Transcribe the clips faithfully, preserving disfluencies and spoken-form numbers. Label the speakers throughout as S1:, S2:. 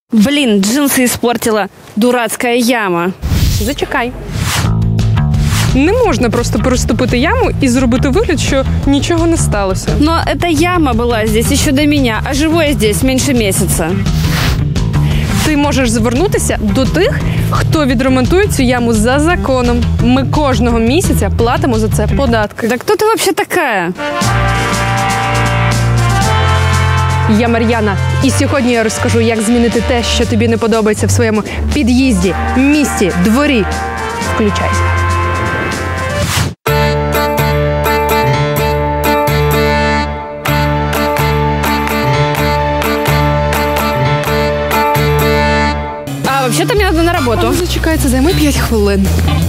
S1: Блин, джинсы испортила. Дурацкая яма.
S2: Зачекай. Не можна просто переступити яму і зробити вигляд, що нічого не сталося.
S1: Но эта яма была здесь еще до меня, а живу я здесь меньше месяца.
S2: Ти можеш звернутися до тих, хто відремонтує цю яму за законом. Ми кожного місяця платимо за це податки.
S1: Да кто ты вообще такая?
S2: Я Мар'яна. І сьогодні я розкажу, як змінити те, що тобі не подобається в своєму під'їзді, місті, дворі. Включайся.
S1: А вообще-то мне надо на работу.
S2: Зачекай, це займе п'ять хвилин.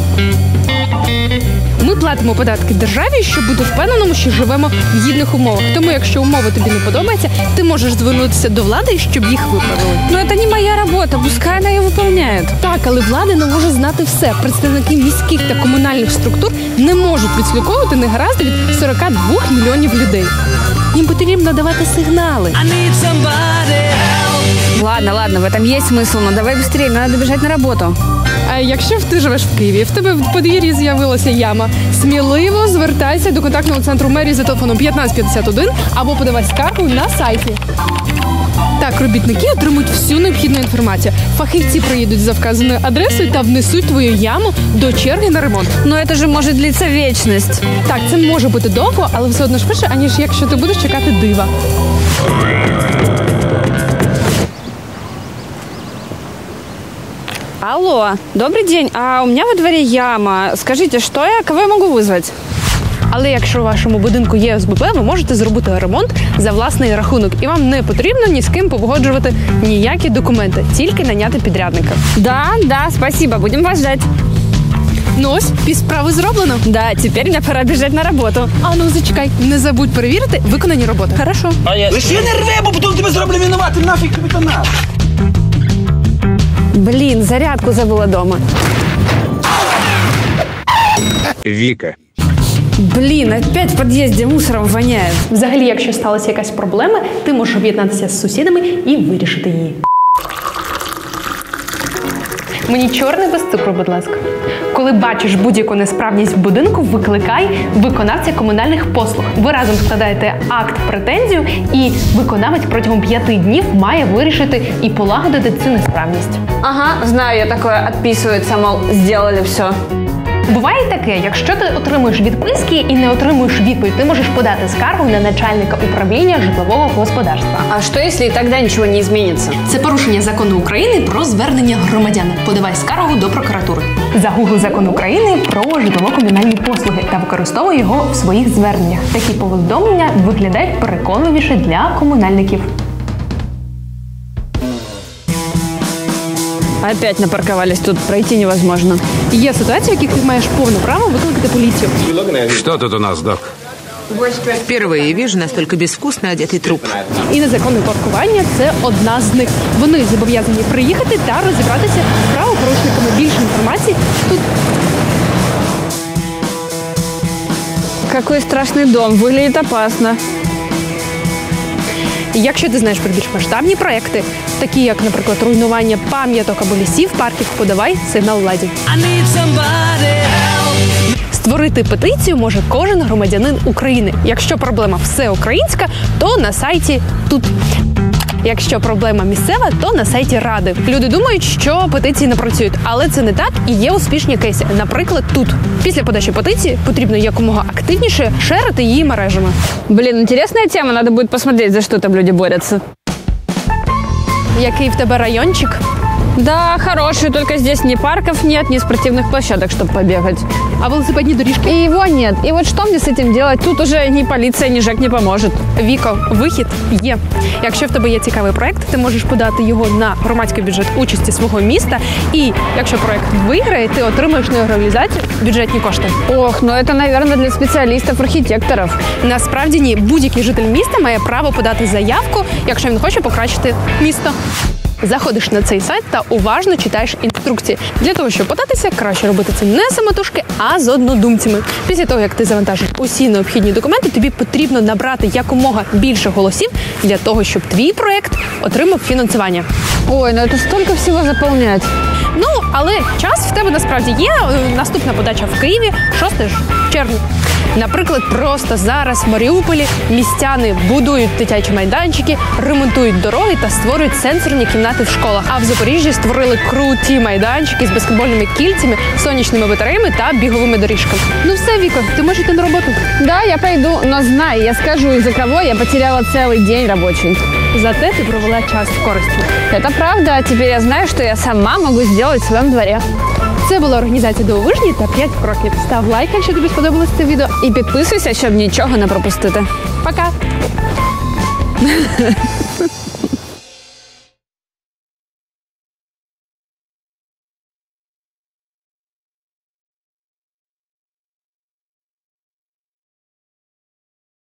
S2: Ми платимо податки державі, щоб бути впевненому, що живемо в гідних умовах. Тому, якщо умови тобі не подобаються, ти можеш звернутися до влади, щоб їх виправили.
S1: Но это не моя работа, пускай она ее выполняет.
S2: Так, але влада не може знати все. Представники міських та комунальних структур не можуть відслідковувати негаразди від сорок два мільйонів людей. Їм потрібно давати сигнали.
S1: Ладно, ладно, в этом есть смысл, но давай быстрее, мне надо бежать на работу.
S2: А якщо ти живеш в Києві, в тебе в подвір'ї з'явилася яма, сміливо звертайся до контактного центру мерії за телефоном п'ятнадцять п'ятдесят один або подавай скаргу на сайті. Так, робітники отримують всю необхідну інформацію. Фахівці приїдуть за вказаною адресою та внесуть твою яму до черги на ремонт.
S1: Но это же может длиться вечность.
S2: Так, це може бути довго, але все одно швидше, аніж якщо ти будеш чекати дива.
S1: Алло, добрый день. А у меня во дворе яма. Скажите, что я, кого я могу вызвать?
S2: Але якщо у вашому будинку є О С Б Б, ви можете зробити ремонт за власний рахунок. І вам не потрібно ні з ким погоджувати ніякі документи, тільки наняти підрядника.
S1: Да, да, спасибо, будем вас ждать.
S2: Ну ось, півсправи зроблено.
S1: Да, теперь мне пора бежать на работу.
S2: А ну зачекай, не забудь перевірити виконані роботи.
S1: Хорошо.
S3: Лише не рви, бо потім тебе зроблю винуватим, нафіг тобі то надо.
S1: Блин, зарядку забыла дома.
S4: Віка.
S1: Блин, опять в подъезде мусором воняет.
S2: Взагалі, якщо сталася якась проблема, ти можеш об'єднатися з сусідами і вирішити її. Мені чорне без цукру, будь ласка. Коли бачиш будь-яку несправність в будинку, викликай виконавця комунальних послуг. Ви разом складаєте акт претензію, і виконавець протягом п'яти днів має вирішити і полагодити цю несправність.
S1: Ага, знаю, я такое, отписывается, мол, сделали все.
S2: Буває таке, якщо ти отримуєш відписки і не отримуєш відповідь, ти можеш подати скаргу на начальника управління житлового господарства.
S1: А что, если и тогда ничего не изменится?
S2: Це порушення закону України про звернення громадян. Подавай скаргу до прокуратури. Загугли закон України про житлово-комунальні послуги та використовуй його в своїх зверненнях. Такі повідомлення виглядають переконливіше для комунальників.
S1: Опять напарковались, тут пройти невозможно.
S2: Є ситуації, в яких ти маєш повне право викликати поліцію.
S4: Что тут у нас, док?
S5: Впервые вижу настолько безвкусно одетый труп.
S2: І незаконне паркування – це одна з них. Вони зобов'язані приїхати та розібратися з правопорушниками. Більше інформації тут.
S1: Какой страшный дом, выглядит опасно.
S2: Якщо ти знаєш про більш масштабні проекти, такі як, наприклад, руйнування пам'яток або лісів, парків, подавай сигнал владі. Створити петицію може кожен громадянин України. Якщо проблема всеукраїнська, то на сайті тут. Якщо проблема місцева, то на сайті Ради. Люди думають, що петиції не працюють, але це не так і є успішні кейси. Наприклад, тут. Після подачі петиції потрібно якомога активніше шерити її мережами.
S1: Блин, интересная тема, надо будет посмотреть, за что там люди борются.
S2: Який в тебе райончик?
S1: Да, хороший, только здесь ни парков нет, ни спортивных площадок, чтобы побегать.
S2: А велосипедні доріжки?
S1: И его нет. И вот что мне с этим делать? Тут уже ни полиция, ни ЖЭК не поможет.
S2: Віко, вихід є. Якщо в тебе є цікавий проект, ти можеш подати його на громадський бюджет участі свого міста. І якщо проект виграє, ти отримаєш на його реалізацію бюджетні кошти.
S1: Ох, ну это, наверное, для спеціалістів-архітекторів.
S2: Насправді ні. Будь-який житель міста має право подати заявку, якщо він хоче покращити місто. Заходиш на цей сайт та уважно читаєш інструкції. Для того, щоб податися, краще робити це не самотужки, а з однодумцями. Після того, як ти завантажиш усі необхідні документи, тобі потрібно набрати якомога більше голосів для того, щоб твій проект отримав фінансування.
S1: Ой, ну это столько всего заполнять.
S2: Ну, але час в тебе насправді є. Наступна подача в Києві шостого червня. Наприклад, просто зараз в Маріуполі містяни будують дитячі майданчики, ремонтують дороги та створюють сенсорні кімнати в школах. А в Запоріжжі створили круті майданчики з баскетбольними кільцями, сонячними батареями та біговими доріжками. Ну все, Віко, ти можеш йти на роботу.
S1: Да, я пойду, но знай, я скажу, из-за кого я потеряла целый день рабочий.
S2: Зате ти провела час з користю.
S1: Это правда, а теперь я знаю, что я сама могу сделать в своем дворе.
S2: Це була організація Дивовижні та п'ять кроків. Став лайк, якщо тобі сподобалось це відео.
S1: І підписуйся, щоб нічого не пропустити.
S2: Пока!